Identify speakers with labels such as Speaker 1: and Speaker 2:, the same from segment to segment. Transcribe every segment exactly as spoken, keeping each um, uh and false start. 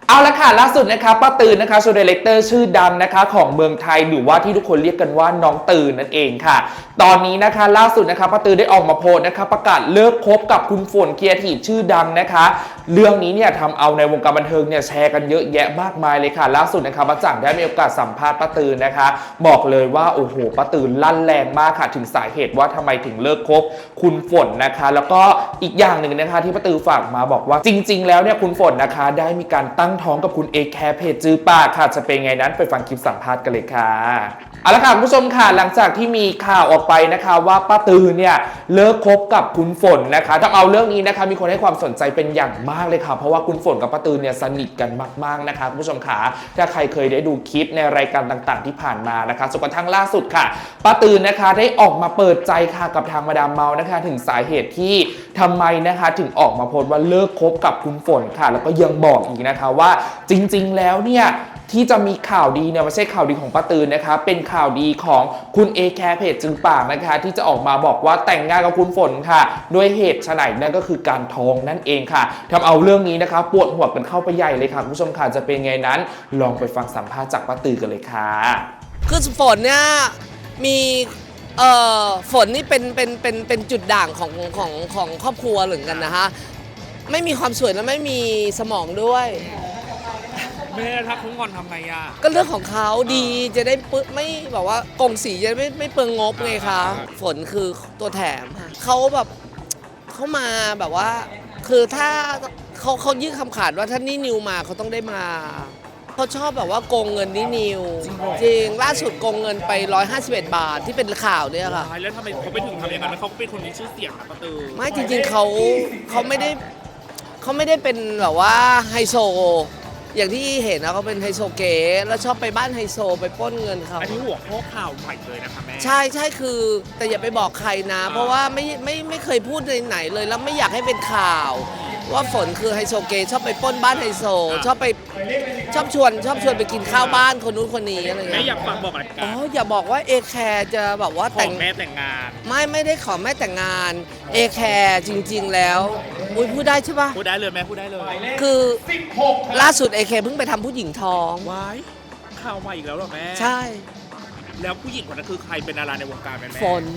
Speaker 1: เอาละค่ะล่าสุดนะคะป้าตือนนะคะโชว์ดีเลกเตอร์ชื่อดังนะคะของเมืองไทยหรือว่าที่ทุกคนเรียกกันว่าน้องตือนนั่นเองค่ะตอนนี้นะคะล่าสุดนะคะป้าตือนได้ออกมาโพสต์นะคะประกาศเลิกคบกับคุณฝนเคียร์ทีชื่อดังนะคะเรื่องนี้เนี่ยทำเอาในวงการบันเทิงเนี่ยแชร์กันเยอะแยะมากมายเลยค่ะล่าสุดนะคะป้าจังได้มีโอกาสสัมภาษณ์ป้าตือนนะคะบอกเลยว่าโอ้โหป้าตือนลั่นแรงมากค่ะถึงสาเหตุว่าทำไมถึงเลิกคบคุณฝนนะคะแล้วก็อีกอย่างหนึ่งนะคะที่ป้าตือนฝากมาบอกว่าจริงๆแล้วเนี่ยคุณฝนนะคะได้มีการตั้งท้องกับคุณเอแคร์เพจจื้อปากค่ะจะเป็นไงนั้นไปฟังคลิปสัมภาษณ์กันเลยค่ะเอาละค่ะคุณผู้ชมค่ะหลังจากที่มีข่าวออกไปนะคะว่าป้าตือเนี่ยเลิกคบกับคุณฝนนะคะทำเอาเรื่องนี้นะคะมีคนให้ความสนใจเป็นอย่างมากเลยค่ะเพราะว่าคุณฝนกับป้าตือเนี่ยสนิทกันมากๆนะคะคุณผู้ชมค่ะถ้าใครเคยได้ดูคลิปในรายการต่างๆที่ผ่านมานะคะจนกระทั่งล่าสุดค่ะป้าตือนะคะได้ออกมาเปิดใจค่ะกับทางมาดามเมานะคะถึงสาเหตุที่ทำไมนะคะถึงออกมาโพสต์ว่าเลิกคบกับคุณฝนค่ะแล้วก็ยังบอกอีกนะคะว่าจริงๆแล้วเนี่ยที่จะมีข่าวดีเนี่ยไม่ใช่ข่าวดีของป้าตือนนะคะเป็นข่าวดีของคุณเอแคร์เพจจึงปากนะคะที่จะออกมาบอกว่าแต่งงานกับคุณฝนค่ะด้วยเหตุไฉนนั่นก็คือการท้องนั่นเองค่ะทำเอาเรื่องนี้นะคะปวดหัวกันเข้าไปใหญ่เลยค่ะคุณผู้ชมค่ะจะเป็นไงนั้นลองไปฟังสัมภาษณ์จากป้าตือนกันเลยค่ะ
Speaker 2: คือฝนเนี่ยมีเอ่อฝนนี่เป็นเป็นเป็นเป็นจุดด่างของของของครอบครัวเหมือนกันนะคะไม่มีความสวยและไม่มีสมองด้วย
Speaker 3: แม่ถ้าเขางอนทำไงอ่ะ
Speaker 2: ก็เรื่องของเขาดีจะได้ปึ๊ไม่แบบว่ากงสีจะไม่ไม่เปลืองงบไงคะฝนคือตัวแถมค่ะเขาแบบเขามาแบบว่าคือถ้าเขาเขายื่นคำขาดว่าถ้านี่นิวมาเขาต้องได้มาเขาชอบแบบว่าโกงเงินนี่นิวจริงล่าสุดโกงเงินไปหนึ่งร้อยห้าสิบเอ็ดบาทที่เป็นข่าวเนี่ยค่ะ
Speaker 3: แล้วทำไมเขาไปถึงทำอย่างนั้นแล้วเขาเป็นคนมีชื่อเสียงนะป้าตือ
Speaker 2: ไม่จริงๆเขาเขาไม่ได้เขาไม่ได้เป็นแบบว่าไฮโซอย่างที่เห็นนะเขาเป็นไฮโซเก๋แล้วชอบไปบ้านไฮโซไปปล้นเงินเขา
Speaker 3: อันนี้หัวข้อข่าวใหม่เลยนะคะแม่
Speaker 2: ใช่ใช่คือแต่อย่าไปบอกใครนะ เพราะว่าไม่ไม่ไม่เคยพูดในไหนเลยแล้วไม่อยากให้เป็นข่าวว่าฝนคือไฮโซเก๋ชอบไปปล้นบ้านไฮโซชอบไปชอบชวนชอบชวนไปกินข้าวบ้านคนนู้นคนนี้อะไรเงี้ย
Speaker 3: แม่อยากฝากบอกอะไรกัน
Speaker 2: อ๋ออย่าบอกว่าเอแคร์จะแบบว่า
Speaker 3: แต่งแม่แต่งงาน
Speaker 2: ไม่ไม่ได้ขอแม่แต่งงานเอแคร์จริงๆแล้วอุ้ยพูดได้ใช่ปะ
Speaker 3: พูดได้เลยแม่พูดได้เลย
Speaker 2: คือล่าสุดเอแคร์เพิ่งไปทำผู้หญิงท้อง
Speaker 3: ว้ายข่าวใหม่อีกแล้วเหรอแม่
Speaker 2: ใช่
Speaker 3: แล้วผู้หญิงคนนั้นคือใครเป็นดาราในวงการแม่
Speaker 2: ฝน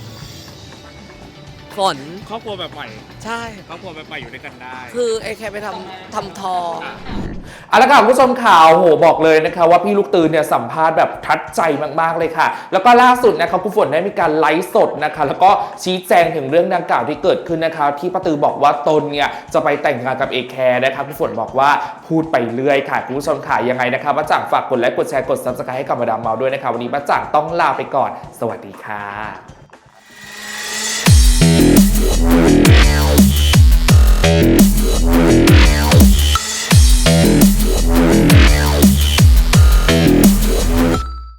Speaker 2: ฝน
Speaker 3: ครอบครัวแบบใหม่
Speaker 2: ใช่
Speaker 3: ครอบครัวแบบใหม่อยู่ด้วยกันได้
Speaker 2: คือเอแคร์ไปทำทำทอง
Speaker 1: เอาละค่ะคุณผู้ชมข่าวโหบอกเลยนะคะว่าพี่ลูกตือนเนี่ยสัมภาษณ์แบบทัดใจมากๆเลยค่ะแล้วก็ล่าสุดนะคะคุณฝนได้มีการไลฟ์สดนะคะแล้วก็ชี้แจงถึงเรื่องดังกล่าวที่เกิดขึ้นนะคะที่ป้าตือบอกว่าตนเนี่ยจะไปแต่งงานกับเอแคร์นะคะคุณฝนบอกว่าพูดไปเรื่อยค่ะคุณผู้ชมค่ะยังไงนะคะป้าจ่างฝากกดไลค์กดแชร์กดซับสไครบ์ให้กับมาดามเมาด้วยนะคะวันนี้ป้าจ่างต้องลาไปก่อนสวัสดีค่ะ